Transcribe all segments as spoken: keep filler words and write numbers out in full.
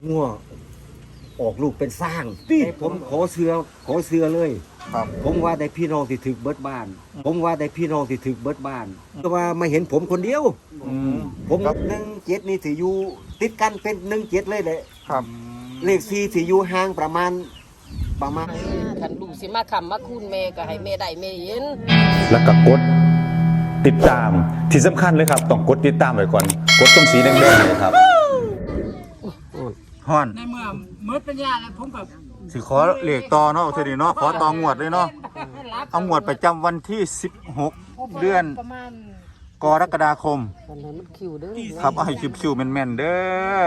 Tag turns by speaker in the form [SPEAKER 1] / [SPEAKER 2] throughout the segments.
[SPEAKER 1] งัวออกลูกเป็นสร้างแต่ผมขอเสือขอเสือเลย
[SPEAKER 2] ครับ
[SPEAKER 1] ผมว่าได้พี่น้องที่ถึกเบิดบ้าน ผมว่าได้พี่น้องที่ถึกเบิดบ้านแต่ว่ามาเห็นผมคนเดียว
[SPEAKER 2] อืม
[SPEAKER 1] ผมหนึ่งเจ็ดนี่ถืออยู่ติดกันเป็นหนึ่งเจ็ดเลยแหละ
[SPEAKER 2] ครับ
[SPEAKER 1] เลขสี่ถืออยู่ห่างประมาณประมาณ
[SPEAKER 3] คันลูกสิมาคำมาคุณแม่ก็ให้แม่ได้แม่เห็น
[SPEAKER 4] แล้วก็กดติดตามที่สำคัญเลยครับต้องกดติดตามไว้ก่อนกดตรงสีแดงๆเลยครับ
[SPEAKER 2] ฮ้อน
[SPEAKER 5] ในเมื่อเมื่อปัญญาแล้วผมกับ
[SPEAKER 2] สิขอเลขต่อเนาะเท่านี้เนาะขอต่องวดเลยเนาะเอางวดประจำวันที่สิบหกเดือน
[SPEAKER 3] ประมาณ
[SPEAKER 2] กรกฎาคม
[SPEAKER 3] มันให้มันคิวเด้อ
[SPEAKER 2] ครับเอาให้คิวๆแม่นๆเด้อ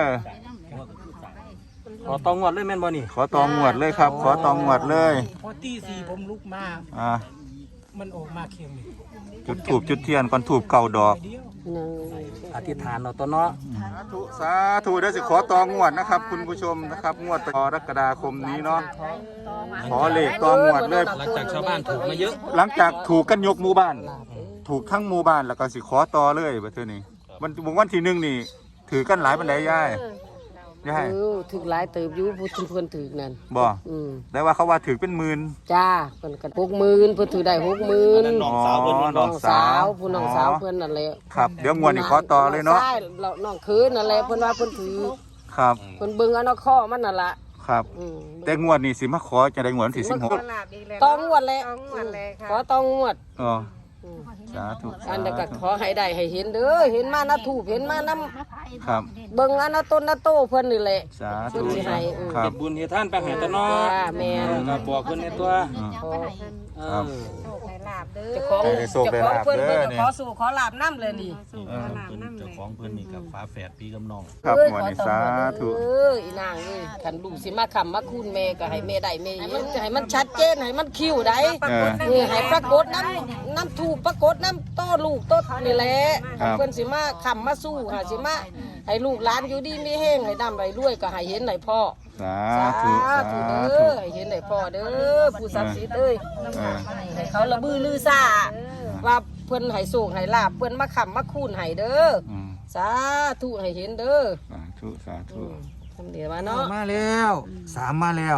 [SPEAKER 6] ขอตองวดเลยแม่นบ่นี่
[SPEAKER 2] ขอต่องวดเลยครับ ขอต่องวดเลย
[SPEAKER 5] พอตีสี่ผมลุกมา
[SPEAKER 2] อ่า
[SPEAKER 5] มันออกมาเค็มนี่
[SPEAKER 2] จุดถูบจุดเทียนก่อนถูบเก่าดอก
[SPEAKER 5] เดียว
[SPEAKER 3] หนึ่ง
[SPEAKER 6] อธิษฐานเอาตัวเนาะ
[SPEAKER 2] สาธุสาธุเด้อสิขอต่องวดนะครับ คุณผู้ชมนะครับงวดกรกฎาคมนี้เนาะขอเลขต่องวดเลย
[SPEAKER 6] หลังจากชาวบ้านถูกมาเยอะ
[SPEAKER 2] หลังจากถูกกันยกหมู่บ้าน ถูกทั้งหมู่บ้านแล้วก็สิขอต่อเลยบัดเทื่อนี้วันวันที่หนึ่งนี่ถือกันหลายปันไดยายยาย
[SPEAKER 3] เออถึกหลายเติบอยู่ผู้ที่เพิ่นถึกนั่น
[SPEAKER 2] บ่
[SPEAKER 3] อืม
[SPEAKER 2] ได้ว่าเขาว่าถือเป็นหมื่น
[SPEAKER 3] จ้าเพิ่นก็หกหมื่นเพิ่นถือได้หกหมื่น
[SPEAKER 2] อ๋อน้
[SPEAKER 3] น้
[SPEAKER 2] อ
[SPEAKER 3] อง ง
[SPEAKER 2] สา
[SPEAKER 3] สาว วผู้น้องสาวเพิ่นนั่นแหละ
[SPEAKER 2] ครับเดี๋ยวงวดนี้ขอต่อเลยเนาะ
[SPEAKER 3] ใช่แล้วน้องคืนนั่นแหละเพิ่นว่าเพิ่นถือ
[SPEAKER 2] ครับ
[SPEAKER 3] เพิ่นเบิ่งเอาเนาะข้อมันนั่นล่ะ
[SPEAKER 2] ครับ
[SPEAKER 3] อืม
[SPEAKER 2] แต่งวดนี้สิมาขอจะได้งวดวันที่สิบหก
[SPEAKER 3] ต้องงวดแหละขอต้องงวด
[SPEAKER 2] อ๋อ
[SPEAKER 3] อืม
[SPEAKER 2] สาธุ
[SPEAKER 3] อันนั้นก็ขอให้ได้ให้เห็นเด้อเห็นมานะถูกเห็นมานํ
[SPEAKER 2] ครับ
[SPEAKER 3] เบิ่งอันนะต้นนะโตเพิ่นนี่แหละ
[SPEAKER 2] สา
[SPEAKER 3] เพิ่
[SPEAKER 2] ธุ
[SPEAKER 3] นสิให้อืม
[SPEAKER 2] ครั
[SPEAKER 6] เฮ็
[SPEAKER 2] บ
[SPEAKER 6] ดบุญเฮ็ดทานไปให้ตัวเนาะ
[SPEAKER 3] จ้าแม่น
[SPEAKER 6] ก็บอกเพิ่นในตัว
[SPEAKER 2] อืม
[SPEAKER 3] ขอ
[SPEAKER 6] เอ
[SPEAKER 2] ครับ
[SPEAKER 6] อ
[SPEAKER 3] เจ้าของ
[SPEAKER 2] ให้ได้โชคได้
[SPEAKER 3] เจ้าของ
[SPEAKER 2] ลาภ
[SPEAKER 3] เพิ่น
[SPEAKER 2] เด้
[SPEAKER 3] เพิ่
[SPEAKER 2] อน นี่
[SPEAKER 3] ขอสู่ขอลาบน้ำเลยนี่
[SPEAKER 2] เออ
[SPEAKER 6] เจ้าของเพิ่นนี่กับฟ้าแฝดพี่กับน้อง
[SPEAKER 2] ครับ
[SPEAKER 3] เอ้ย
[SPEAKER 2] งวดนี้
[SPEAKER 3] ขอ
[SPEAKER 2] สา
[SPEAKER 3] ต่อ
[SPEAKER 2] ธุ
[SPEAKER 3] เอออีนางเอ้ยคันลูกสิมาคำมาคุณแม่ก็ให้แม่ได้แม่เห็นให้มันชัดเจนให้มันคิวได้
[SPEAKER 2] เออ
[SPEAKER 3] เออให้ปรากฏน้ำน้ำถูกปรากฏน้ำโตลูกโตนี่แหละ
[SPEAKER 2] ครับ
[SPEAKER 3] เพิ่นสิมาคำมาสู้หาสิมาให้ลูกหลานอยู่ดีมีแห้งให้ดำไรด้วยก็ให้เห็นให้พ่อ
[SPEAKER 2] สา
[SPEAKER 3] สา
[SPEAKER 2] ธุ
[SPEAKER 3] ธุ
[SPEAKER 2] สา
[SPEAKER 3] เด้
[SPEAKER 2] ธุ
[SPEAKER 3] อให้เห็นให้พ่อเด้อผู้ศักดิ์สิทธิ์เอ้ย
[SPEAKER 2] เออ
[SPEAKER 3] ให้เขาระบือลือซ่าว่าเพิ่นให้สูงให้ลาบเพิ่นมาขำมาคูนให้เด้อ
[SPEAKER 2] อืม
[SPEAKER 3] สาธุให้เห็นเด้อ
[SPEAKER 2] สาธุสาธุ
[SPEAKER 3] ทำเดียวมาเนาะ
[SPEAKER 2] มาแล้วสามมาแล้ว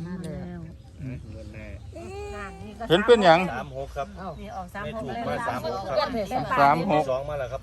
[SPEAKER 2] เห็นเป็นหยัง
[SPEAKER 6] สามหกครับไม่ถูกมาสามหกครับ
[SPEAKER 2] สามหก
[SPEAKER 6] สองมาแล้วครับ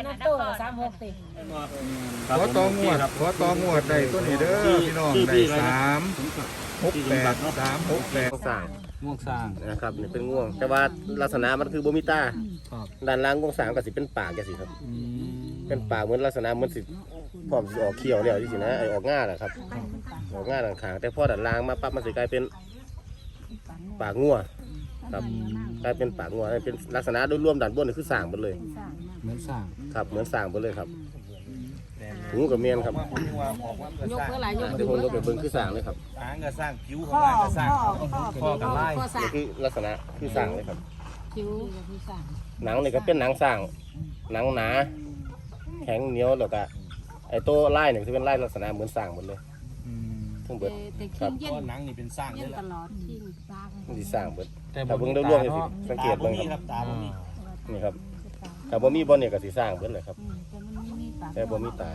[SPEAKER 2] ขอตองวดขอตองวดได้ตัวนี้เด้อพี่น้องได้สามหกแปดสามหกแปด
[SPEAKER 7] สร้าง
[SPEAKER 6] ง่วงสร้าง
[SPEAKER 7] นะครับนี่เป็นง่วง แต่ว่าลักษณะมันคือโบมิตาด้านล่างง่วงสร้างก็สิเป็นปากจังสิครับ เป็นปากเหมือนลักษณะเหมือนสิพร้อมสิออกเขี้ยวแล้วจังสินะไอออกง่าแหละครับออกง่าด้านข้างแต่พอด้านล่างมาปั๊บมันสิกลายเป็นปากงัวครับกลายเป็นปากงัวนั่นเป็นลักษณะโดยรวมด้านบนนี่คือสร้างหมดเลย
[SPEAKER 6] เหมือนสร้าง
[SPEAKER 7] ครับเหมือนสร้างหมดเลยครับหูกับเมียนครับ
[SPEAKER 3] ยกเพื่ออะไรยก
[SPEAKER 7] เดี๋ยวผมยกไปเบิ่งคือสร้างเลยครับ
[SPEAKER 6] หางก็สร้างผิวของหางก็สร้างข้อกับไล่
[SPEAKER 7] นี่คือลักษณะคือสร้างเลยครับ
[SPEAKER 3] คิ้ว
[SPEAKER 7] หนังนี่ก็เป็นหนังสร้างหนังหนาแข็งเหนียวแล้วก็ไอ้ตัวไล่เนี่ยจะเป็นไล่ลักษณะเหมือนสร้างหมดเลยทั้งเบิดครับ
[SPEAKER 6] ก็หนังนี่เป็นสร้างเลยล่ะ
[SPEAKER 7] มันสิสร้างเบิดถ้าเบิ่งรวมๆนี่สิสังเกตเบิ่งครับ
[SPEAKER 6] ตาบ่มี
[SPEAKER 7] นี่ครับถ้าบ่มีบ่เนี่ยก็สิสร้างเบิดเลยครับแต่บ่มีตา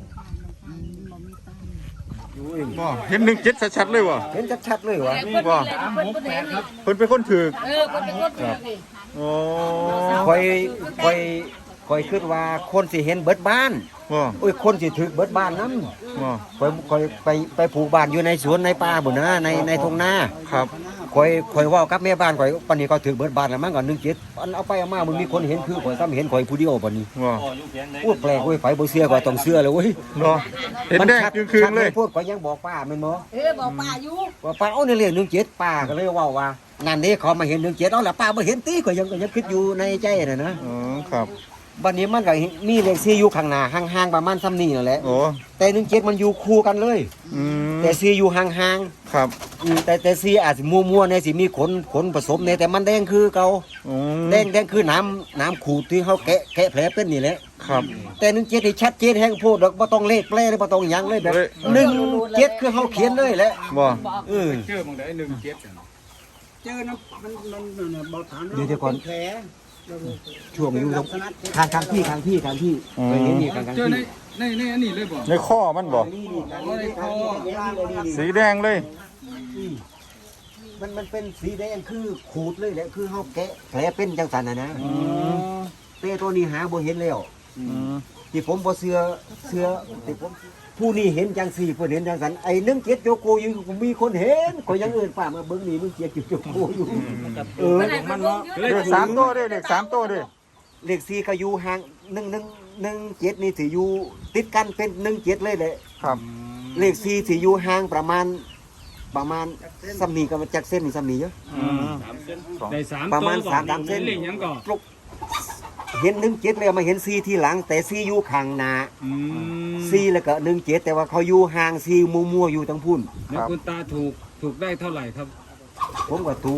[SPEAKER 2] บ่เห็นหนึ่งเจ็ดชัดๆเลยวะ
[SPEAKER 1] เห็นชัดๆเลยวะ
[SPEAKER 2] นี่บ่เพิ่นเป็นคนถือ
[SPEAKER 3] เออคนเป็นคนถือนี่
[SPEAKER 2] โอ้
[SPEAKER 1] คอยคอยคอยคิดว่าคนสิเห็นเบิดบ้าน
[SPEAKER 2] บ่
[SPEAKER 1] โอ้ยคนสิถึกเบิดบ้านนำ
[SPEAKER 2] บ่
[SPEAKER 1] คอยคอยไปไปผูกบ้านอยู่ในสวนในป่าบุนนะในในทุ่งนา
[SPEAKER 2] ครับ
[SPEAKER 1] คอยคอยเว่ากับแม่บ้านคอยปานนี้เขาถึกเบิดบ้านแล้วมันก็หนึ่งเจ็ดอันเอาไปเอามามันมีคนเห็นคือคอยซ้ำเห็นคอยผู้เดียวปานนี้
[SPEAKER 2] บ่
[SPEAKER 1] โอ้ยแปลกเว้ยไฟบ่เชื่อก็ต้องเชื่อเลยเว้ย
[SPEAKER 2] บ่เห็นแดง
[SPEAKER 1] ชั
[SPEAKER 2] คืนๆเลย
[SPEAKER 1] ชัดพูดคอยยังบอกป้าแม่นบ่
[SPEAKER 3] เออบอกป้าอยู่
[SPEAKER 1] ว่าป้าเอาในเรื่องหนึ่งเจ็ดป้าก็เลยเว่าว่านั่นนี่เขามาเห็นหนึ่งเจ็ดเอาละป้าบ่เห็นตีก็ยังก็ยังคิดอยู่ในใจน่ะนะ
[SPEAKER 2] อ๋อครับ
[SPEAKER 1] บัดนี้มันก็มีเลขสี่อยู่ข้างหน้าห่างๆประมาณซ้ำนี้นั่นแหละ
[SPEAKER 2] โอ้
[SPEAKER 1] แต่หนึ่งเจ็ดมันอยู่คู่กันเลย
[SPEAKER 2] อืม
[SPEAKER 1] แต่สี่อยู่ห่างๆ
[SPEAKER 2] ครับ
[SPEAKER 1] อืมแต่แต่สีอาจสิมัวๆในสิมีขนขนผสมในแต่มันแดงคือเก่า
[SPEAKER 2] อืม
[SPEAKER 1] แดงแดงคือน้ำน้ำขูดที่เขาแกะแกะแผลเป็นนี่แหละ
[SPEAKER 2] ครับ
[SPEAKER 1] แต่หนึ่งเจ็ดนี่ชัดเจนแห้งโพดดอกบ่ต้องเลขแปลเลยบ่ต้องหยังเลยแบบ
[SPEAKER 2] เลย
[SPEAKER 1] หนึ่งเจ็ดคือเขาเขียนเลยแหละ
[SPEAKER 2] บ่
[SPEAKER 1] เออ
[SPEAKER 5] เจอนะมันมันมันเบาฐาน
[SPEAKER 1] เดี๋ยวเดี๋ยวก่อน
[SPEAKER 5] แผล
[SPEAKER 1] ช่วงอยู่ตรงทางทางที่ทางที่ทางที่เคยเห็นนี่ทางทาง
[SPEAKER 5] เจอ
[SPEAKER 1] ที่
[SPEAKER 5] ในในในอันนี้เลยบ่
[SPEAKER 2] ในข้อมันบ่สีแดงเลย
[SPEAKER 1] มันมันเป็นสีแดงคือขูดเลยแหละคือเฮาแกะแผลเป็นจังสันน่ะนะแต่ตัวนี้หาบ่เห็นแล้ว
[SPEAKER 2] อืม
[SPEAKER 1] ที่ผมบ่เชื่อเชื่อที่ผมผู้นี้เห็นจังสี่เพิ่นเห็นจังสันไอ้หนึ่งเจ็ดโยโกอยู่มีคนเห็นก็ยังเอิ้นป้ามาเบิ่งนี่หนึ่งเจ็ดโยโกอยู่เออมันเนาะ
[SPEAKER 2] เลขสามตัวเด้เลขสามตัวเด้
[SPEAKER 1] เลขสี่ก็อยู่ห่างหนึ่งหนึ่งหนึ่งเจ็ดนี่สิอยู่ติดกันเป็นหนึ่งเจ็ดเลยแหละ
[SPEAKER 2] ครับ
[SPEAKER 1] เลขสี่สิอยู่ห่างประมาณประมาณซ้ำนี้ก็จากเส้นนี่ซ้ำนี้เยอะ
[SPEAKER 2] อืม
[SPEAKER 5] ได้สาม
[SPEAKER 1] ประมาณ
[SPEAKER 5] ตัว
[SPEAKER 1] สามสามเส้น
[SPEAKER 5] เลขหยังก่อน
[SPEAKER 1] เห็นหนึ่งเจ็ดเลยมาเห็นสี่ที่หลัง แต่สี่อยู่ข้างหน้า
[SPEAKER 5] อืม
[SPEAKER 1] สี่แล้วก็หนึ่งเจ็ดแต่ว่าเขาอยู่ห่างสี่มัวๆอยู่ทั้งพุ่น
[SPEAKER 5] แล้วคุณตาถูกถูกได้เท่าไหร่ครับ
[SPEAKER 1] ผมก็ถูก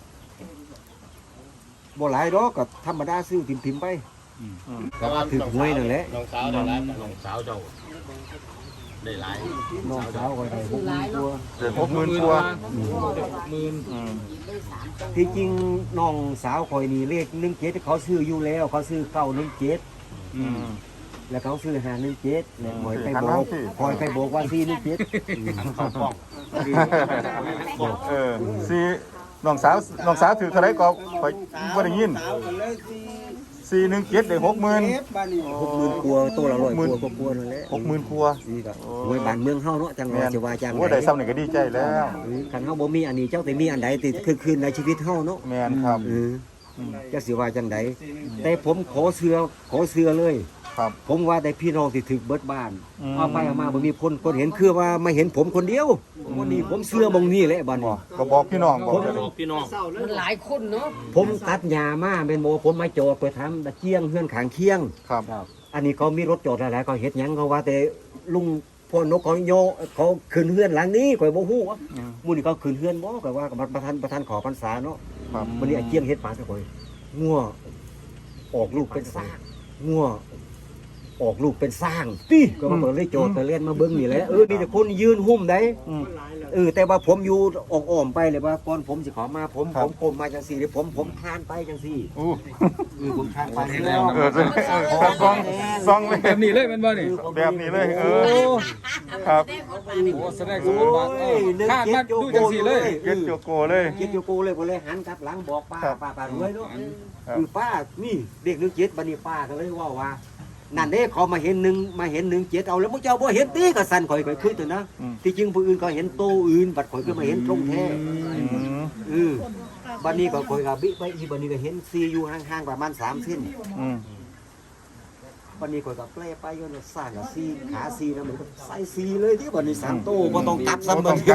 [SPEAKER 1] บ่หลายดอกก็ธรรมดาซื้อพิมพ์ๆไปก็ถือหวยนั่นแหละ
[SPEAKER 7] น้องสาวได้หลายน้องสาวเจ้าได้หลาย
[SPEAKER 1] น้องสาวก็ได้หกหมื่นกว่า
[SPEAKER 2] เดี๋ยวหกหมื่นตัว
[SPEAKER 5] หมื่น
[SPEAKER 2] อืม
[SPEAKER 1] ที่จริงน้องสาวคอยนี่เลขหนึ่งเจ็ดเขาซื้ออยู่แล้ว เขาซื้อเก้าหนึ่งเจ็ด
[SPEAKER 2] อืม
[SPEAKER 1] แล้วเขาซื้อหาหนึ่งเจ็ดแล้วคอยไป
[SPEAKER 2] หัน
[SPEAKER 1] บ
[SPEAKER 2] มา
[SPEAKER 1] อก
[SPEAKER 2] สิ
[SPEAKER 1] คอยไปบอกว่าสี่หนึ่งเจ็ด
[SPEAKER 2] เออสีน้องสาวน้องสาวถือเท่าไรก็ไปบ่ได้ยินสี่หนึ่งเจ็ดได้หกหมื่น
[SPEAKER 1] หกหมื่นกว่าตัวละร้อย
[SPEAKER 2] หมื่น
[SPEAKER 1] กว่ากว่านั่นแหละ
[SPEAKER 2] หกหมื่นครัว
[SPEAKER 1] นี่ก็หวยบ้านเมืองเฮาเนาะจังหวัดจะว่าจัง
[SPEAKER 2] ว่าได้ซ้ำนี่ก็ดีใจแล้ว
[SPEAKER 1] เออคันเฮาบ่มีอันนี้เจ้าแต่มีอันใดติดคือคืนในชีวิตเฮาเนาะ
[SPEAKER 2] แมนครับ
[SPEAKER 1] เออจะสิว่าจังไดแต่ผมขอเสือขอเสือเลย
[SPEAKER 2] ครับ
[SPEAKER 1] ผมว่าแต่พี่น้องที่ถึกเบิดบ้าน
[SPEAKER 2] อืม
[SPEAKER 1] เอาไปเอามาบ่มีคนคนเห็นคือว่าไม่เห็นผมคนเดียววันนี้ผมเสือมองนี่แหละบัดนี้
[SPEAKER 2] ก็บอกพี่น้องบอกเลย
[SPEAKER 6] พี่น้อง
[SPEAKER 3] มันหลายคนเนาะ
[SPEAKER 1] ผมตัดหญ้ามาเป็นโมผมมาจอดไปทำตะเกียงเฮือนขางเคียง
[SPEAKER 2] ครับ
[SPEAKER 1] อันนี้เขามีรถจอดหลายๆเขาเฮ็ดหยังเขาว่าแต่ลุงพ่อนกเขาโยเขาขึ้นเฮือนหลังนี้ข่อยบ่ฮู้ว่า
[SPEAKER 2] อืม
[SPEAKER 1] หมื้อนี้เขาขึ้นเฮือนบ่ก็ว่ากับประธานประธานขอพรรษาเนาะ
[SPEAKER 2] ครับ
[SPEAKER 1] วันนี้ไอ้เกียงเฮ็ดปลาซะข่อยงัวออกลูกเป็นสร้างงัวออกลูกเป็นสร้างติก็มาเบิ่งเลยโจทย์ไปเล่นมาเบิ่งนี่แหละเออมีแต่คนยืนหุ้มได้
[SPEAKER 2] อืม
[SPEAKER 1] เออแต่ว่าผมอยู่ออกอ้อมไปเลยว่าก่อนผมสิขอมาผม
[SPEAKER 2] ครั
[SPEAKER 1] ผ
[SPEAKER 2] บ
[SPEAKER 1] มผมมาจังซี่เดี๋ยวผมผมคานไปจังซี่
[SPEAKER 2] อู้
[SPEAKER 1] เออผมคานไป
[SPEAKER 2] เออเป็นเออครับซองซองเลย
[SPEAKER 5] แบบนี้เลยมันบ่นี่
[SPEAKER 2] แบบนี้เลย เออ ครับ
[SPEAKER 5] โอ้แสดงสมบูรณ์แบบเออคาดมาดูจังสี่เลย
[SPEAKER 2] เก็ตโจโกเลย
[SPEAKER 1] เจ็ดอยู่กูเลยกูเลยหันกลับหลังบอกป้า
[SPEAKER 2] ครับ
[SPEAKER 1] ป้าป้ารวยเนาะ
[SPEAKER 2] ครับ
[SPEAKER 1] คือป้านี่เด็กหนึ่งเจ็ดบัดนี้ป้าก็เลยว่าว่านั่นเด้เขามาเห็นหนึ่งมาเห็นหนึ่งเจ็ดเอาแล้วมึงเจ้าบ่เห็นตีก็สั่นข่อยข่อยคือตัวนะ
[SPEAKER 2] อืม
[SPEAKER 1] ที่จริงผู้อื่นก็เห็นโตอื่นบัดข่อยก็มาเห็นตรงแท้
[SPEAKER 2] อืม
[SPEAKER 1] เออบัดนี้ก็ข่อยก็บิไปอีบัดนี้ก็เห็นซีอยู่ห่างๆประมาณสามเส้น
[SPEAKER 2] อืม
[SPEAKER 1] บัดนี้ข่อยก็แปลไปอยู่น่ะสร้างกับซีขาซีนะมันก็ใส่ซีเลยที่บัดนี้สามโตบ่ต้องกลับ
[SPEAKER 2] บ่
[SPEAKER 1] ซ้ำ
[SPEAKER 2] ต้องกลับ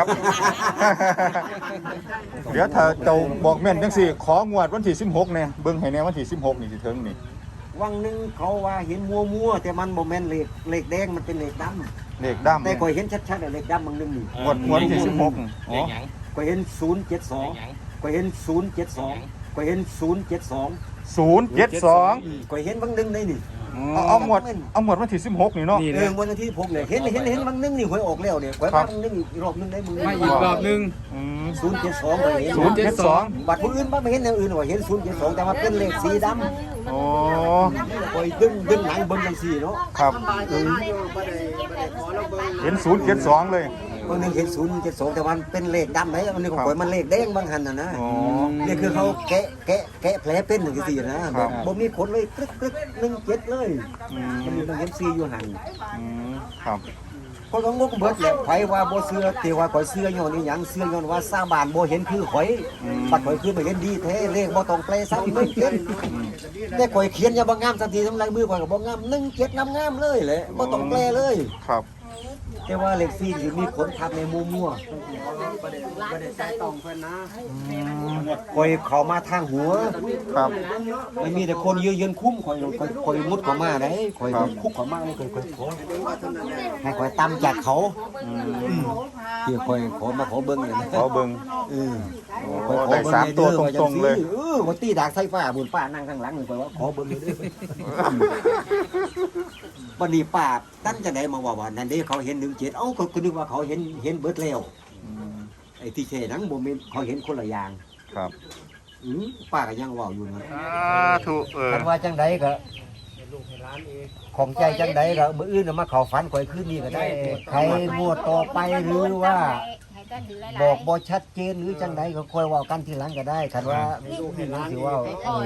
[SPEAKER 2] เดี๋ยวถ้าเจ้าบอกแม่นจังสี่ของวดวันที่สิบหกเนี่ยเบิ่งให้แน่วันที่สิบหกนี่สิถึงนี่
[SPEAKER 1] วังหนึงเขาว่าเห็นมัวๆแต่มันบ่แม่นเหล็กเหล็กแดงมันเป็นเหล็กดำ
[SPEAKER 2] เลขดำ
[SPEAKER 1] แต่
[SPEAKER 2] เนี่ย
[SPEAKER 1] ข่อยเห็นชัดๆอะเหล็กดำบางหนึงนี่
[SPEAKER 2] งวดงวดวันที่สิบหกอ๋อ
[SPEAKER 1] ข่อยเห็นศูนย์เจ็ดสองข่อยเห็นศูนย์เจ็ดสองข่อยเห็นศูนย์เจ็ดสอง
[SPEAKER 2] ศูนย์เจ็ดสอง
[SPEAKER 1] ข่อยเห็นบางหนึงในนี่
[SPEAKER 2] เอาเอาหมวดเอาหมวดวันที่สิบหกนี่เนาะ
[SPEAKER 5] นี่
[SPEAKER 1] เอ
[SPEAKER 5] แห
[SPEAKER 1] อ
[SPEAKER 5] ละ
[SPEAKER 1] วันที่ผมเนี่ยเห็นเห็นเห็นบางหนึงนี่ข่อยออกแล้วเนี่ยข่อย
[SPEAKER 2] ครับ
[SPEAKER 1] บางหนึงอีกรอบหนึงได้มึง
[SPEAKER 5] มาอีกรอบหนึง
[SPEAKER 2] อืม
[SPEAKER 1] ศูนย์เจ็ดสองข่อยเห็น
[SPEAKER 2] ศูนย์เจ็ดสอง
[SPEAKER 1] บัตรผู้อื่นบ้างไม่เห็นอย่างอื่นว่าเห็นศูนย์เจ็ดสองแต่ว่าเป็นเลขสีด
[SPEAKER 2] โอ้
[SPEAKER 1] ำข่อยดึงดึงหนังเบิ่งจังซี่เนาะ
[SPEAKER 2] ครับ
[SPEAKER 1] เออ
[SPEAKER 2] เห็นศูนย์เจ็ดสองเลย
[SPEAKER 1] บางหนึงเห็นศูนย์เจ็ดสองแต่มันเป็นเลขดำไหนอันนี้ของข่อยมันเลขแดงบางหันน่ะนะ
[SPEAKER 2] อ๋อ
[SPEAKER 1] นี่คือเขาแกะแกะแกะแผลเป็นอย่างที่นะแบบบ่มีผลเลยกรึกกรึกหนึ่งเจ็ดเลย
[SPEAKER 2] อืม
[SPEAKER 1] มันมีบางเห็นซีอยู่หัน
[SPEAKER 2] อืมครับ
[SPEAKER 1] คนก็งงเบิดแหละไผว่าบ่เชื่อแต่ว่าข่อยเชื่อย้อนนี่หยังเชื่อย้อนว่าสร้างบ้านบ่เห็นคือข่อยบัดข่อยคือบ่เห็นดีแท้เลขบ่ต้องแปลซ้ำหนึ่งเจ็ดแต่ข่อยเขียนอย่าบ่งามสักทีทำลายมือข่อยก็บ่งามหนึ่งเจ็ดงามๆเลยแหละบ่ต้องแปลเลย
[SPEAKER 2] ครับ
[SPEAKER 1] แต่ว่าเลขซีสิมีขนทับในมัวมัวบ่ได้ใส่ต้องเพิ่นนะข่อยเข้ามาทางหัว
[SPEAKER 2] ครับ
[SPEAKER 1] มันมีแต่คนยืนยืนคุ้มคอยคอยคอยมุดเข้ามาได้คอย
[SPEAKER 2] ครับ
[SPEAKER 1] คุกเข้ามาเลยคอยคอยขอให้คอยตามจากเขาที่คอยขอมาขอเบิ้งเลยนะ
[SPEAKER 2] ขอเบิ่ง
[SPEAKER 1] เออ
[SPEAKER 2] โอ้
[SPEAKER 1] คอยขอ
[SPEAKER 2] ได้
[SPEAKER 1] เบิ้ง
[SPEAKER 2] สามตัวตรงๆเลย
[SPEAKER 1] เออวันตีดากไฟฟ้าบุญป้านั่งข้างหลังเลยคอยว่าขอเบิ้งเลยเด้อวันนี้ป้าตั้งจะไหนมาว่าว่านั่นเด้เขาเห็นหนึ่งเจ็ดเอ้าก็คือนึกว่าเขาเห็นเห็นเบิดแล้วไอ้ที่เช่นังบ่แม่นเขาเห็นคนละอย่าง
[SPEAKER 2] ครับ
[SPEAKER 1] อือป้าก็ยังเว้าอยู่นะ
[SPEAKER 2] สาธุเออ
[SPEAKER 1] คันว่าจังใดก็ของใจจังใดก็มื้ออื่นน่ะมาเข้าฝันข่อยคืนนี้ก็ได้ใครงวดต่อไปหรือว่า บอกบ่ชัดเจนหรือจังใดก็ค่อยเว้ากันทีหลังก็ได้คันว่านี่มันสิเว้า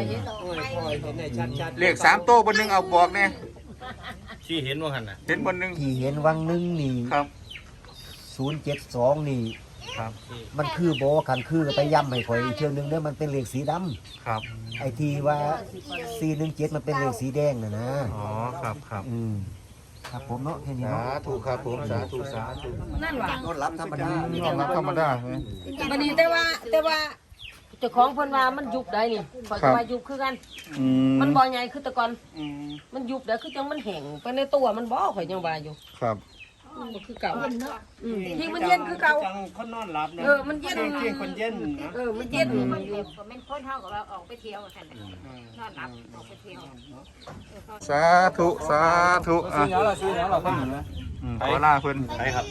[SPEAKER 2] เลขสามโต๊ะบนหนึงเอาบอกแน่
[SPEAKER 6] ที่เห็นว่าหั่นน่ะ
[SPEAKER 2] เห็นบนหนึง
[SPEAKER 1] ที่เห็นวังหนึงนี่
[SPEAKER 2] ครับ
[SPEAKER 1] ศูนย์เจ็ดสองนี่
[SPEAKER 2] ครับ
[SPEAKER 1] มันคือบ่คันคือก็ไปย้ำให้ข่อยอีกเทื่อนึงเด้อมันเป็นเลขสีดำ
[SPEAKER 2] ครับ
[SPEAKER 1] ไอ้ที่ว่าสี่หนึ่งเจ็ดมันเป็นเลขสีแดงน่ะนะ
[SPEAKER 2] อ๋อครับครับ
[SPEAKER 1] อืมครับผมเนาะแค่นี้
[SPEAKER 2] สา
[SPEAKER 1] เนาะ
[SPEAKER 2] ธุครับผมสาธุสาธุ
[SPEAKER 3] นั่นว่ะ
[SPEAKER 1] นอนรับธรรมดา
[SPEAKER 2] ยอมรับธรรมดาใช่ไหม
[SPEAKER 3] บัดนี้แต่ว่าแต่ว่าเจ้าของเพิ่นว่ามันยุบได้นี่ข่อย
[SPEAKER 2] ครั
[SPEAKER 3] ก็
[SPEAKER 2] บ
[SPEAKER 3] ว่ายุบคือกัน
[SPEAKER 2] อืม
[SPEAKER 3] มันบ่ใหญ่คือแต่ก่อน
[SPEAKER 2] อืม
[SPEAKER 3] มันยุบได้คือจังมันแห้งไปในตัวมันบ่ข่อยยังว่าอยู่
[SPEAKER 2] ครับ
[SPEAKER 3] มันบ่คือเก่าอืมที่มันเย็นคือเก่า
[SPEAKER 6] คนนอนหลับนะ
[SPEAKER 3] เออมันเย็น
[SPEAKER 6] เที่ยงคนเย็นนะ
[SPEAKER 3] เออมันเย็น
[SPEAKER 8] มันเจ็บก็เป็นคนเท่ากับว่าออกไปเที่ยวกันนอนหลับออกไปเที่ยว
[SPEAKER 2] สาธุสาธุอ่ะ
[SPEAKER 5] ซื้อแล้วเราซื้อแล้วเราเพิ่งเห็นนะ
[SPEAKER 2] อืมขอลาเพิ่น
[SPEAKER 6] ไปครับ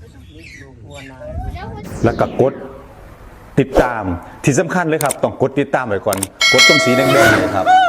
[SPEAKER 4] แล้วก็กดติดตามที่สำคัญเลยครับ ต้องกดติดตามไว้ก่อน กดตรงสีแดงๆเนยครับ